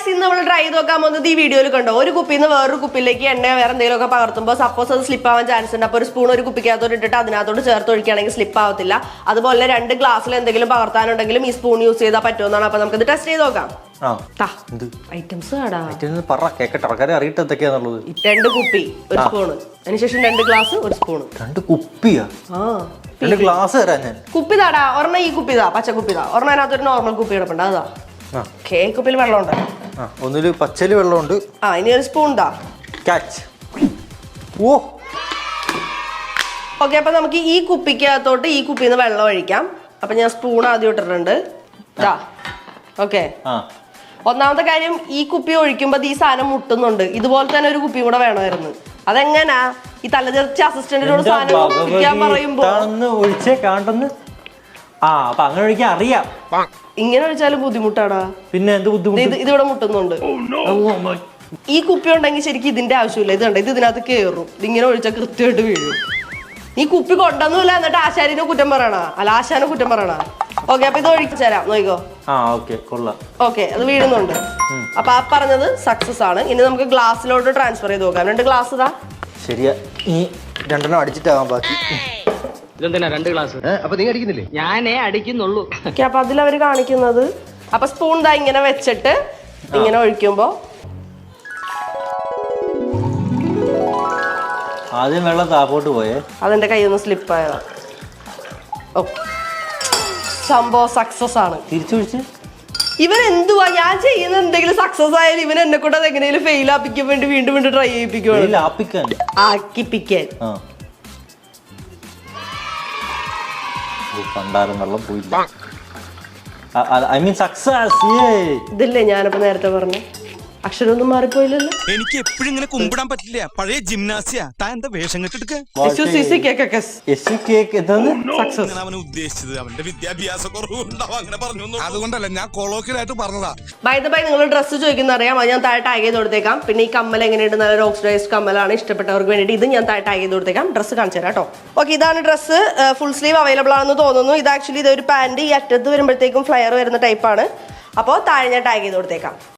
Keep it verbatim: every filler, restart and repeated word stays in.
Guys ഇന്ന് നമ്മൾ try ചെയ്ത് നോക്കാൻ പോകുന്നത് ഈ വീഡിയോയിൽ കണ്ടോ ഒരു കുപ്പിയിൽ നിന്ന് വേറൊരു കുപ്പിയിലേക്ക് എണ്ണ വേറെ എന്തെങ്കിലുമൊക്കെ പകർത്തുമ്പോൾ സപ്പോസ് അത് സ്ലിപ്പ് ആവാൻ ചാൻസ് ഉണ്ട്. അപ്പോൾ ഒരു സ്പൂൺ ഒരു കുപ്പിക്കകത്തോട്ട് ഇട്ടിട്ട് അതിനകത്തോട്ട് ചേർത്ത് ഒഴിക്കുകയാണെങ്കിൽ സ്ലിപ്പ് ആവത്തില്ല. അതുപോലെ രണ്ട് ഗ്ലാസ്സിൽ എന്തെങ്കിലും പകർത്താനുണ്ടെങ്കിലും ഈ സ്പൂൺ യൂസ് ചെയ്താൽ പറ്റുമെന്നാണ്. അപ്പോൾ നമുക്ക് ഇത് ടെസ്റ്റ് ചെയ്ത് നോക്കാം. ഐറ്റംസ് രണ്ട് കുപ്പി ഒരു സ്പൂണ്, അതിനുശേഷം രണ്ട് ഗ്ലാസ് ഒരു സ്പൂണ്. രണ്ട് കുപ്പിയാ? രണ്ട് ഗ്ലാസ് തരാം ഞാൻ. കുപ്പി താടാ, ഒരെണ്ണം ഈ കുപ്പിതാ, പച്ച കുപ്പിതാ. ഒരെണ്ണം അതിനകത്തൊരു നോർമൽ കുപ്പി കിടപ്പുണ്ട്, അതാ. കുപ്പിയിൽ വെള്ളമുണ്ട്, ഒന്നില് പച്ചല് വെള്ളമുണ്ട്. ആ ഇനി ഒരു സ്പൂൺ താ. ഓ ഓക്കെ, അപ്പൊ നമുക്ക് ഈ കുപ്പിക്കകത്തോട്ട് ഈ കുപ്പിയിൽ നിന്ന് വെള്ളം ഒഴിക്കാം. അപ്പൊ ഞാൻ സ്പൂൺ ആദ്യം ഇട്ടിട്ടുണ്ട്. ഓക്കെ, ഒന്നാമത്തെ കാര്യം ഈ കുപ്പി ഒഴിക്കുമ്പോ ഈ സാധനം മുട്ടുന്നുണ്ട്. ഇതുപോലെ തന്നെ ഒരു കുപ്പി കൂടെ വേണമായിരുന്നു. അതെങ്ങനാ ഈ തലതെറിച്ച അസിസ്റ്റന്റിനോട് സാധനം ഒഴിക്കാൻ പറയുമ്പോ ഒഴിച്ചേ കാണുന്നു. ആ അപ്പൊ അങ്ങനെ ഒഴിക്കാൻ അറിയാം. ഇങ്ങനെ ഒഴിച്ചാലും ബുദ്ധിമുട്ടാടാ. പിന്നെ എന്ത് ബുദ്ധിമുട്ട്? ഇതിവിടെ മുട്ടുന്നുണ്ട്. ഈ കുപ്പി ഉണ്ടെങ്കിൽ ശരിക്കും ഇതിന്റെ ആവശ്യമില്ല. ഇത് കണ്ട, ഇത് ഇതിനകത്ത് കയറും. ഇതിങ്ങനെ ഒഴിച്ചാൽ കൃത്യമായിട്ട് വീഴും. ഈ കുപ്പി കൊണ്ടൊന്നുമില്ല, എന്നിട്ട് ആശാരിനെ കുറ്റം പറയണ, അല്ല ആശാനെ കുറ്റം പറയണ. ഓക്കെ, അപ്പൊ ഇത് ഒഴിച്ചു തരാം, നോക്കിക്കോ. ഓക്കെ, അത് വീഴുന്നുണ്ട്. അപ്പൊ ആ പറഞ്ഞത് സക്സസ് ആണ്. ഇനി നമുക്ക് ഗ്ലാസ്സിലോട്ട് ട്രാൻസ്ഫർ ചെയ്ത് നോക്കാം. രണ്ട് ഗ്ലാസ് ഇതാ. ശരിയാ, ഈ രണ്ടെണ്ണം അടിച്ചിട്ടാവാൻ ബാക്കി. ഇതെന്തിനാ രണ്ട് ഗ്ലാസ്? അപ്പൊ നീ അടിക്കുന്നില്ലേ? ഞാനേ അടിക്കുന്നുള്ളൂ. അപ്പൊ അതിലവര് കാണിക്കുന്നത്, അപ്പൊ സ്പൂൺ ദാ ഇങ്ങനെ വെച്ചിട്ട് ഇങ്ങനെ ഒഴിക്കുമ്പോ ആദ്യം വെള്ളം താപ്പോട്ട് പോയേ, അതെന്റെ കയ്യിൽ സ്ലിപ്പ് ആയതാ. ഓക്കെ, സംഭവം സക്സസ് ആണ്. തിരിച്ചൊഴിച്ച് ഇവൻ എന്തുവാ ഞാൻ ചെയ്യുന്ന എന്തെങ്കിലും സക്സസ് ആയാലും ഇവൻ എന്നെ കൂടെ എങ്ങനെയും ഫെയിൽ ആപ്പിക്കാൻ വേണ്ടി വീണ്ടും വീണ്ടും ട്രൈ ചെയ്യിപ്പിക്കുവാണ്. ആക്കിപ്പിക്കാൻ വെള്ളം പോയില്ല. I mean success. ഇതില്ലേ ഞാനപ്പോ നേരത്തെ പറഞ്ഞ അക്ഷരമൊന്നും മാറിപ്പോയില്ലല്ലോ. എനിക്ക് എപ്പോഴും ഇങ്ങനെ കുമ്പിടാൻ പറ്റില്ല. പഴയ ജിംനാസിയാ. താൻ എന്താ വേഷം കെട്ടെടുക്ക? അവനെ ഉദ്ദേശിച്ചത് അവന്റെ വിദ്യാഭ്യാസ കുറവുണ്ടാവും, അങ്ങനെ പറഞ്ഞു. അതുകൊണ്ടല്ല, ഞാൻ കൊളോക്കിലായിട്ട് പറഞ്ഞതാ. ബൈ ദ ബൈ, നിങ്ങൾ ഡ്രസ്സ് ചോദിക്കുന്ന അറിയാം, അത് ഞാൻ താഴെ ടാഗ് ചെയ്ത് കൊടുത്തേക്കാം. പിന്നെ ഈ കമ്മൽ എങ്ങനെയുണ്ട്, നല്ല ഓക്സിഡൈസ്ഡ് കമ്മലാണ്. ഇഷ്ടപ്പെട്ടവർക്ക് വേണ്ടിയിട്ട് ഇത് ഞാൻ താഴെ ടാഗ് ചെയ്ത് കൊടുത്തേക്കാം. ഡ്രസ്സ് കാണിച്ചു തരാം കേട്ടോ. ഓക്കെ, ഇതാണ് ഡ്രസ്സ്. ഫുൾ സ്ലീവ് അവൈലബിൾ ആണെന്ന് തോന്നുന്നു. ഇത് ആക്ച്വലി ഇതൊരു പാന്റ്, ഈ അറ്റത്ത് വരുമ്പോഴത്തേക്കും ഫ്ലയർ വരുന്ന ടൈപ്പാണ്. അപ്പോൾ താഴെ ഞാൻ ടാഗ് ചെയ്ത് കൊടുത്തേക്കാം.